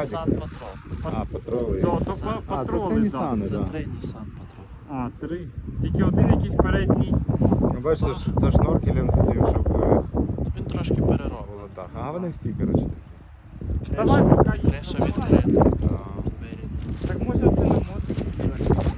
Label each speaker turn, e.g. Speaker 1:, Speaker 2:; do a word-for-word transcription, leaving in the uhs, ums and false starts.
Speaker 1: Nissan Patrol.
Speaker 2: А, патроли.
Speaker 3: То, то
Speaker 1: А,
Speaker 3: па-
Speaker 2: це
Speaker 3: патроли,
Speaker 2: все
Speaker 3: да.
Speaker 2: Nissan.
Speaker 1: Це
Speaker 2: да.
Speaker 1: три Nissan Patrol.
Speaker 3: А, три. Тільки один якийсь передній.
Speaker 2: Ну, бачите, ж за шноркелем з цим, щоб е,
Speaker 1: Він трошки перероблений.
Speaker 2: було так. А вони всі, коротше, такі.
Speaker 3: Вставай, поки їх
Speaker 1: Криша
Speaker 3: нормально.
Speaker 1: відкрита.
Speaker 2: Да.
Speaker 1: Вирізана.
Speaker 3: Так може ти на мотик сіла.